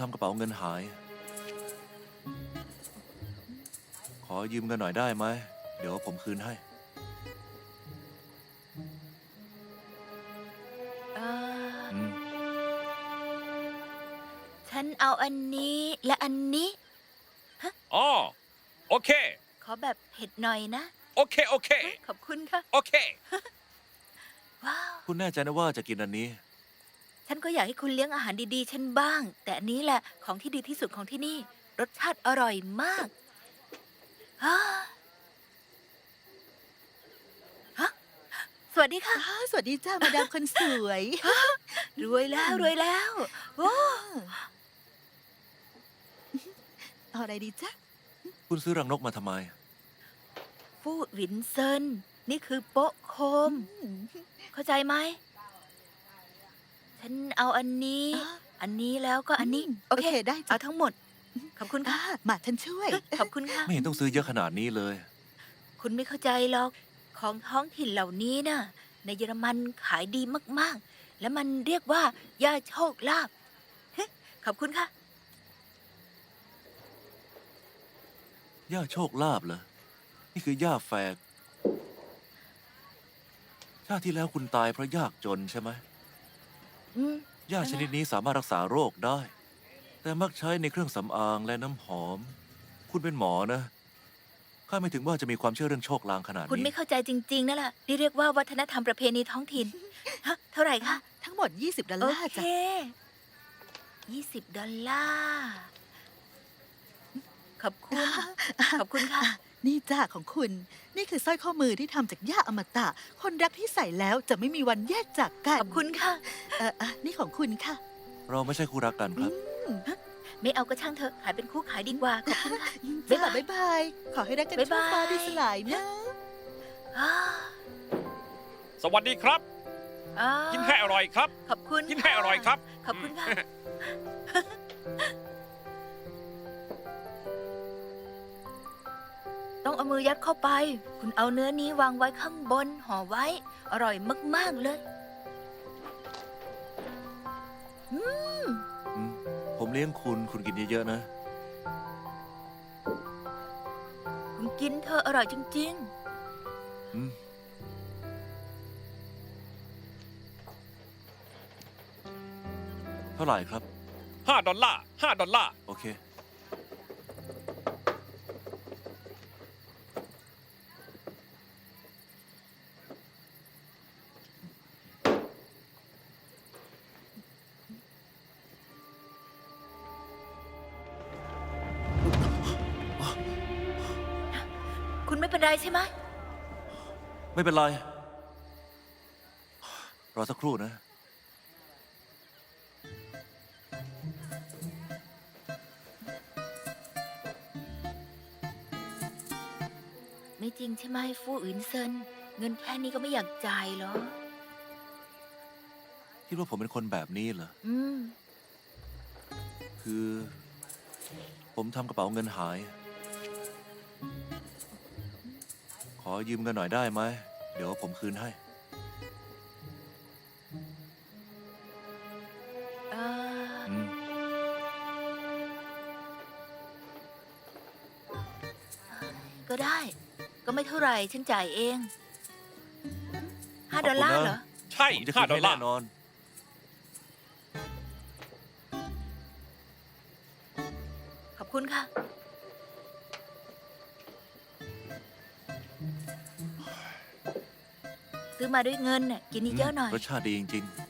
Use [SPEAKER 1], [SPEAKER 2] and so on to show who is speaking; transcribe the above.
[SPEAKER 1] ทำกระเป๋าเงินหาย ขอยืมเงินหน่อยได้ไหม เดี๋ยวผมคืนให้
[SPEAKER 2] เออ
[SPEAKER 1] อืม
[SPEAKER 2] ฉันเอาอันนี้และอันนี้
[SPEAKER 3] อ๋อโอเค
[SPEAKER 2] ขอแบบเผ็ดหน่อยนะ
[SPEAKER 3] โอเค โอเค
[SPEAKER 2] ขอบคุณค่ะ
[SPEAKER 3] โอเค
[SPEAKER 2] ว้าว
[SPEAKER 1] คุณแน่ใจนะว่าจะกินอันนี้
[SPEAKER 2] ฉันก็อยากให้คุณเลี้ยงอาหารดีๆ ฉันบ้าง แต่อันนี้แหละของที่ดีที่สุดของที่นี่ รสชาติอร่อยมากฮะฮะสวัสดีค่ะ
[SPEAKER 4] สวัสดีจ้ามาดามคนสวย
[SPEAKER 2] รวยแล้วรวยแล้วโอ้
[SPEAKER 4] เอาอะไรดีจ้า
[SPEAKER 1] คุณซื้อรังนกมาทำไม
[SPEAKER 2] ฟู่หวินเซินนี่คือโป๊ะโคม เข้าใจไหม ฉันเอาอันนี้ อันนี้แล้วก็อันนี้ โอเค
[SPEAKER 4] ได้จ้ะ
[SPEAKER 2] เอาทั้งหมด ขอบคุณค่ะ
[SPEAKER 4] มาฉันช่วย
[SPEAKER 2] ขอบคุณค่ะ
[SPEAKER 1] ไม่เห็นต้องซื้อเยอะขนาดนี้เลย
[SPEAKER 2] คุณไม่เข้าใจหรอก ของท้องถิ่นเหล่านี้น่ะ ในเยอรมันขายดีมากๆ และมันเรียกว่าย่าโชคลาภเฮ้ขอบคุณค่ะ
[SPEAKER 1] ย่าโชคลาภเหรอ นี่คือย่าแฝก ชาติที่แล้วคุณตายเพราะยากจนใช่ไหม
[SPEAKER 2] อืม
[SPEAKER 1] ย่าชนิดนี้สามารถรักษาโรคได้ แต่มักใช้ในเครื่องสำอางและน้ำหอม คุณเป็นหมอนะ ข้าไม่ถึงว่าจะมีความเชื่อเรื่องโชคลางขนาด
[SPEAKER 2] คุณ
[SPEAKER 1] นี้
[SPEAKER 2] ไม่เข้าใจจริงๆนั่นแหละนี่เรียกว่าวัฒนธรรมประเพณีท้องถิ่น ฮะ เท่าไหร่คะ
[SPEAKER 4] ทั้งหมด20 ดอล
[SPEAKER 2] โอ
[SPEAKER 4] ลาร์
[SPEAKER 2] เค
[SPEAKER 4] จ้ะ
[SPEAKER 2] $20 ขอบคุณ ขอบคุณค่ะ
[SPEAKER 4] นี่จ้าของคุณ นี่คือสร้อยข้อมือที่ทำจากหญ้าอมตะ คนรักที่ใส่แล้วจะไม่มีวันแยกจากกัน
[SPEAKER 2] ขอบคุณค่ะ
[SPEAKER 4] นี่ของคุณค่ะ
[SPEAKER 1] เราไม่ใช่คู่รักกันครับ
[SPEAKER 2] ไม่เอาก็ช่างเถอะ ขายเป็นคู่ขายดีกว่า ขอบคุณค่ะ
[SPEAKER 4] จ้า
[SPEAKER 2] บ๊ายบาย
[SPEAKER 4] บ๊ายบาย ขอให้รักกัน
[SPEAKER 2] บ๊าย
[SPEAKER 4] ชั่ว
[SPEAKER 2] บาย
[SPEAKER 4] ฟ้าดินสลายนะ
[SPEAKER 2] อ่า
[SPEAKER 3] สวัสดีครับ
[SPEAKER 2] อ่า
[SPEAKER 3] กินให้อร่อยครับ
[SPEAKER 2] ขอบคุณ
[SPEAKER 3] กินให้อร่อยครับ
[SPEAKER 2] ขอบคุณค่ะ ต้องเอามือยัดเข้าไป คุณเอาเนื้อนี้วางไว้ข้างบนห่อไว้ อร่อยมากๆเลย
[SPEAKER 1] อืม ผมเลี้ยงคุณ คุณกินเยอะๆนะ
[SPEAKER 2] คุณกินเธอะอร่อยจริง
[SPEAKER 1] อืม เท่าไหร่ครับ
[SPEAKER 3] 5 ดอลลาร์ 5 ดอลลาร์
[SPEAKER 1] โอเค
[SPEAKER 2] ๆ คุณไม่เป็นไรใช่ไหม
[SPEAKER 1] ไม่เป็นไร รอสักครู่นะ
[SPEAKER 2] ไม่จริงใช่ไหมฟู่อินเซิน เงินแค่นี้ก็ไม่อยากจ่ายเหรอ
[SPEAKER 1] คิดว่าผมเป็นคนแบบนี้เหรอ
[SPEAKER 2] อืม
[SPEAKER 1] คือ ผมทำกระเป๋าเงินหาย ขอยืมเงินหน่อยได้ไหม เดี๋ยวผมคืนให้
[SPEAKER 2] เออ
[SPEAKER 1] อืม
[SPEAKER 2] ก็ได้ ก็ไม่เท่าไหร่ ฉันจ่ายเอง$5เหรอ
[SPEAKER 3] ใช่
[SPEAKER 1] ผมจะคืน
[SPEAKER 3] 5 ดอ
[SPEAKER 1] ให้
[SPEAKER 3] ลลา
[SPEAKER 1] แน่
[SPEAKER 3] ร์
[SPEAKER 1] นอน
[SPEAKER 2] ขอบคุณค่ะ ซื้อมาด้วยเงินน่ะกินเยอะๆหน่อย
[SPEAKER 1] รสชาติดีจริง ๆ